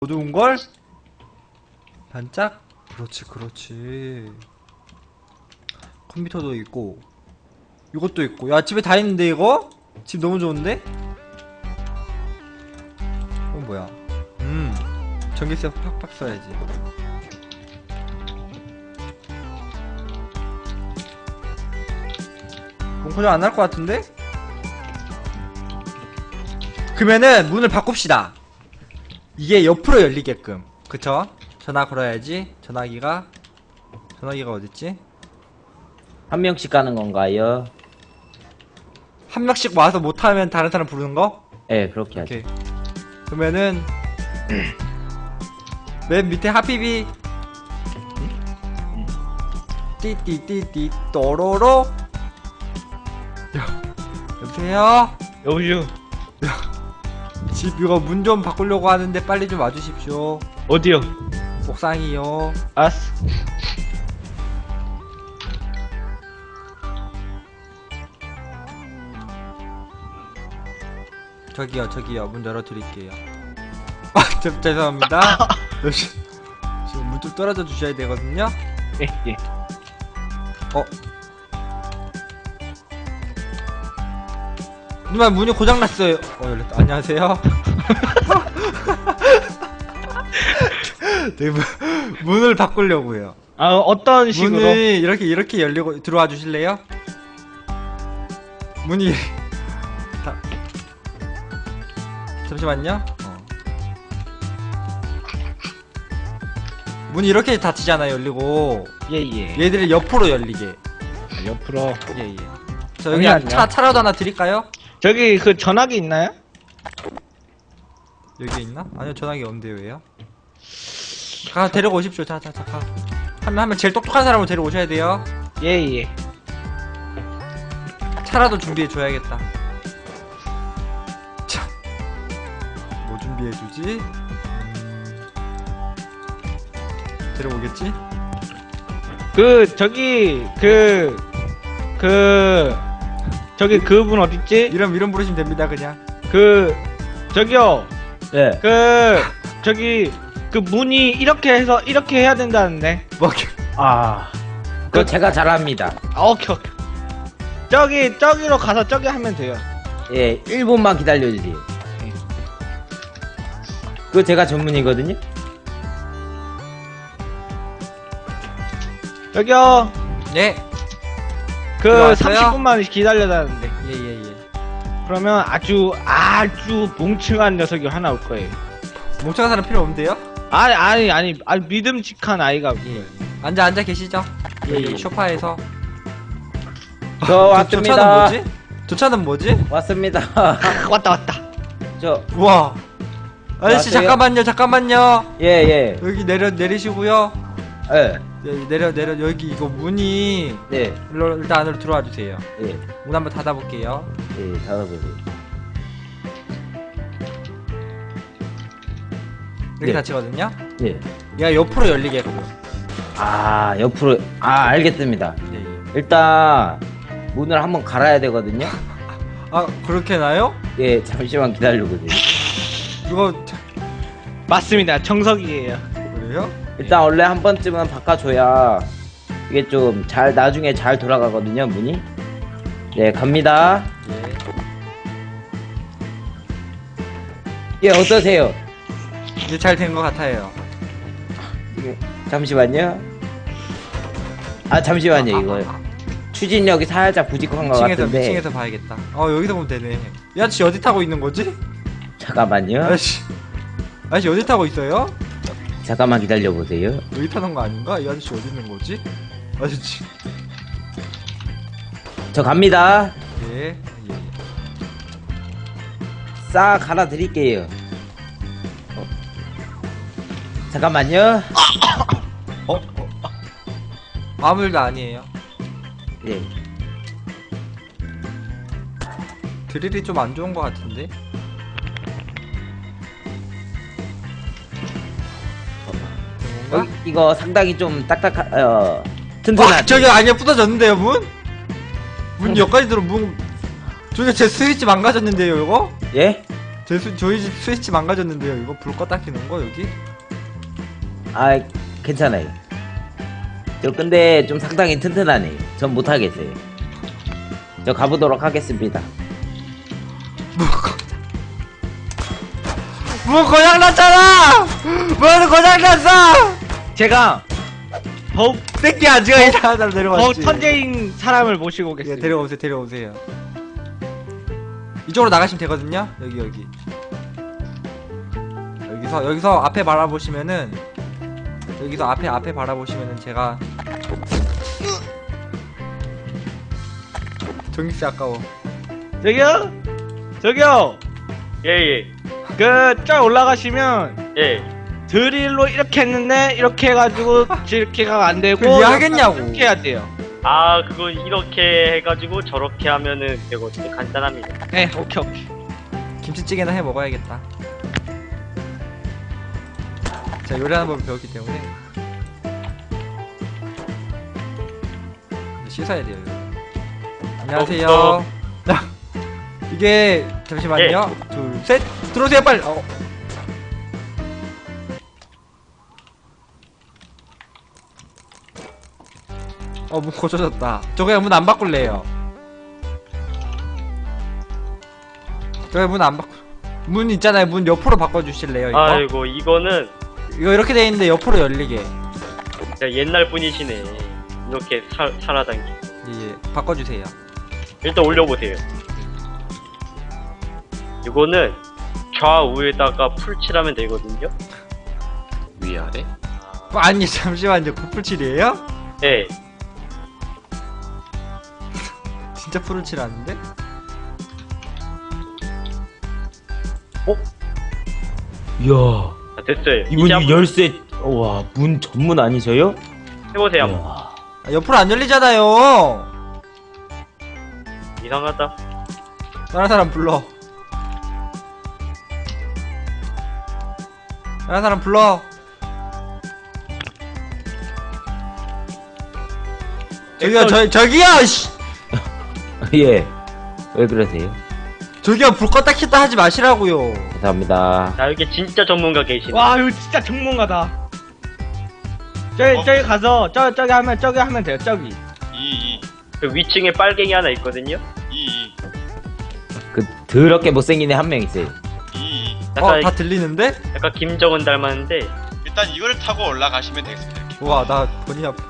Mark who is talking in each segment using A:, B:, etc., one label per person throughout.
A: 어두운걸? 반짝? 그렇지 그렇지. 컴퓨터도 있고 이것도 있고. 야 집에 다 있는데 이거? 집 너무 좋은데? 이건 뭐야? 전기세 팍팍 써야지. 고정 안 할 것 같은데? 그러면은 문을 바꿉시다. 이게 옆으로 열리게끔. 그쵸? 전화 걸어야지. 전화기가 어딨지?
B: 한 명씩 가는 건가요?
A: 한 명씩 와서 못하면 다른 사람 부르는 거?
B: 네, 그렇게 하죠.
A: 오케이. 그러면은 맨 밑에 하피비 띠띠띠띠 또로로. 여보세요?
C: 여보세요.
A: 집 이거 문 좀 바꾸려고 하는데 빨리 좀 와주십시오.
C: 어디요?
A: 옥상이요.
C: 알았어.
A: 저기요 문 열어드릴게요. 아 죄송합니다. 지금 문 좀 떨어져 주셔야 되거든요.
C: 예, 예.
A: 누나 문이 고장났어요. 열렸다. 안녕하세요. 네, 문을 바꾸려고요.
C: 아, 어떤 식으로?
A: 문이 이렇게 열리고 들어와 주실래요? 문이 잠시만요. 문이 이렇게 닫히잖아요. 열리고
C: 예, 예.
A: 얘들이 옆으로 열리게.
C: 옆으로.
A: 예. 저 여기 차라도 하나 드릴까요?
C: 저기 그 전화기 있나요?
A: 여기 있나? 아니요 전화기 없는데요. 왜요? 가 데리고 오십시오. 자 가. 한 명 제일 똑똑한 사람을 데리고 오셔야 돼요.
C: 예, 예.
A: 차라도 준비해 줘야겠다. 자, 뭐 준비해 주지? 데려오겠지?
C: 저기 그분 어딨지?
A: 이름 부르시면 됩니다. 그냥.
C: 저기요.
B: 네.
C: 저기 그 문이 이렇게 해서 이렇게 해야 된다는데.
A: 뭐
B: 그거 제가 잘합니다.
C: 아, 오케이. 저기로 가서 저기 하면 돼요.
B: 예, 1분만 기다려주세요.
C: 예.
B: 그거 제가 전문이거든요?
C: 저기요.
A: 네.
C: 그
A: 들어왔어요?
C: 30분만 기다려다는데.
A: 예.
C: 그러면 아주 뭉층한 녀석이 하나 올 거예요.
A: 멍청한 사람 필요 없는데요?
C: 아니 믿음직한 아이가 올 거예요.
A: 앉아 계시죠?
B: 예.
A: 여기 소파에서.
B: 저
A: 저
B: 왔습니다.
A: 차는 뭐지? 저 차는 뭐지?
B: 왔습니다.
C: 왔다.
B: 저,
A: 우와. 아저씨
B: 안녕하세요.
A: 잠깐만요.
B: 예.
A: 여기 내리시고요.
B: 예.
A: 내려 여기 이거 문이
B: 네.
A: 일단 안으로 들어와 주세요.
B: 예.
A: 문 한번 닫아볼게요.
B: 예, 닫아보세요.
A: 이렇게
B: 네.
A: 닫히거든요.
B: 예.
A: 얘가 옆으로 열리게끔.
B: 옆으로, 알겠습니다.
A: 예.
B: 일단, 문을 한번 갈아야 되거든요?
A: 아 그렇게 나요?
B: 예, 잠시만 기다려보세요.
A: 이거
C: 맞습니다. 정석이에요.
A: 그래요?
B: 일단 원래 한 번쯤은 바꿔줘야 이게 좀 나중에 잘 돌아가거든요, 문이. 네, 갑니다.
A: 예.
B: 예, 어떠세요?
A: 이제 잘 된 것 같아요.
B: 잠시만요. 잠시만요, 이거. 추진력이 살짝 부족한 것 같은데.
A: 미층에서 봐야겠다. 여기서 보면 되네. 이 아저씨 어디 타고 있는 거지?
B: 잠깐만요.
A: 아저씨 어디 타고 있어요?
B: 잠깐만 기다려보세요.
A: 여기 타는 거 아닌가? 이 아저씨 어디 있는 거지? 아저씨.
B: 저 갑니다.
A: 예.
B: 싹 갈아드릴게요. 잠깐만요.
A: 아무 일도 아니에요.
B: 네.
A: 드릴이 좀 안 좋은 것 같은데?
B: 이거 상당히 좀 튼튼한.
A: 저기 아니야 부서졌는데요 문? 문 여기까지 들어 문. 저기 제 스위치 망가졌는데요 이거?
B: 예?
A: 저희 집 스위치 망가졌는데요. 이거 불 껐다 켜는 거 여기?
B: 아 괜찮아요. 저 근데 좀 상당히 튼튼하네. 전 못하겠어요. 저 가보도록 하겠습니다.
A: 뭐 고장 났잖아! 뭐는 고장 났어!
C: 제가 더욱
A: 새끼 아지가 이상한 사람
C: 더욱
A: 데려왔지.
C: 천재인 사람을 모시고
A: 예,
C: 오겠습니다.
A: 데려오세요. 이쪽으로 나가시면 되거든요. 여기. 여기서 앞에 바라보시면은 여기서 앞에 바라보시면은 제가 전기세 아까워.
C: 저기요.
D: 예.
C: 저 올라가시면
D: 예.
C: 드릴로 이렇게 했는데 이렇게 해가지고 이렇게가 안 되고
A: 그걸 이해하겠냐고.
C: 이렇게 해야 돼요.
D: 아, 그거 이렇게 해가지고 저렇게 하면은 되거든요. 간단합니다.
C: 네, 오케이.
A: 김치찌개나 해 먹어야겠다. 제가 요리하는 법을 배웠기 때문에 씻어야 돼요. 이거. 안녕하세요. 이게 잠시만요. 둘, 셋, 들어오세요 빨리. 문 고쳐졌다. 저 그냥 문 안 바꿀래요. 저 그냥 문 안 바꾸. 문 있잖아요. 문 옆으로 바꿔주실래요? 이거?
D: 아이고, 이거는
A: 이거 이렇게 돼 있는데 옆으로 열리게.
D: 진짜 옛날 분이시네. 이렇게 살아다니.
A: 예, 바꿔주세요.
D: 일단 올려보세요. 이거는 좌우에다가 풀칠하면 되거든요.
E: 위아래?
A: 아니 잠시만요. 구풀칠이에요?
D: 예.
A: 진짜 푸른칠 아닌데?
B: 이야
D: 자, 됐어요. 이제
B: 이분이
D: 한번
B: 열쇠 와 문 전문 아니셔요?
D: 해보세요. 한번.
B: 이야.
A: 옆으로 안 열리잖아요.
D: 이상하다.
A: 다른 사람 불러. 다른 사람 불러. 저기요 씨.
B: 예. 왜 그러세요?
A: 저기요 불 껐다 켰다 하지 마시라고요.
B: 감사합니다.
D: 자, 여기 진짜 전문가 계시네.
C: 와, 이거 진짜 전문가다. 저기 가서 저기 하면 돼요. 저기.
D: 그 위층에 빨갱이 하나 있거든요.
B: 그 더럽게 못생긴 애 한 명 있어요.
D: 약간,
A: 다 들리는데?
D: 약간 김정은 닮았는데.
E: 일단 이거를 타고 올라가시면 되겠습니다. 이렇게.
A: 우와 나 본이 아파.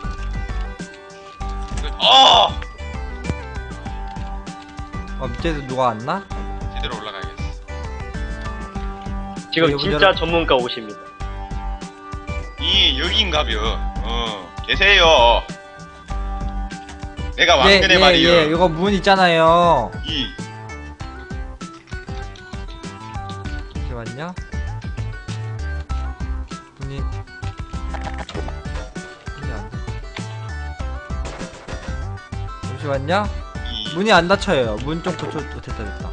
A: 밑에서 누가 왔나?
E: 제대로 올라가야겠어.
D: 지금
A: 네,
D: 진짜
A: 여러분.
D: 전문가 오십니다.
E: 여긴가벼. 계세요. 내가 왕년의 말이요.
A: 예, 이거 문 있잖아요. 잠시만요. 문이 안 돼. 잠시만요. 문이 안 닫혀요. 문 좀 고쳐. 됐다.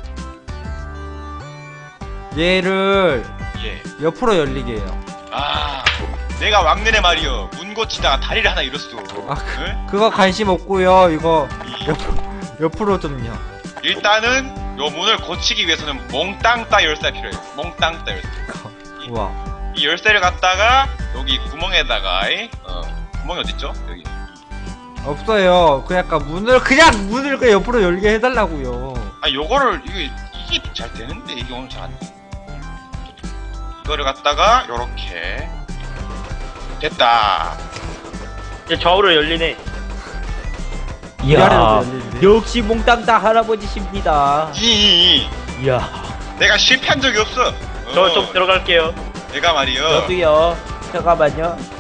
A: 얘를
E: 예.
A: 옆으로 열리게 해요.
E: 내가 왕년의 말이요. 문 고치다가 다리를 하나 잃었어.
A: 그거 관심 없고요. 이거 옆으로 좀요.
E: 일단은 요 문을 고치기 위해서는 몽땅 따 열쇠가 필요해요. 몽땅 따 열쇠.
A: 우와.
E: 이 열쇠를 갖다가 여기 구멍에다가 구멍이 어딨죠? 여기.
A: 없어요. 그 약간 문을 그냥 옆으로 열게 해달라고요.
E: 요거를 이게 잘 되는데 이게 오늘 잘 안 돼. 이거를 갖다가 요렇게 됐다.
D: 이제 좌우로 열리네.
A: 위아래로
B: 이야
A: 열리는데.
B: 역시 몽땅따 할아버지십니다. 이야
E: 내가 실패한 적이 없어.
D: 저 좀 들어갈게요.
E: 내가 말이요.
B: 저도요. 잠깐만요.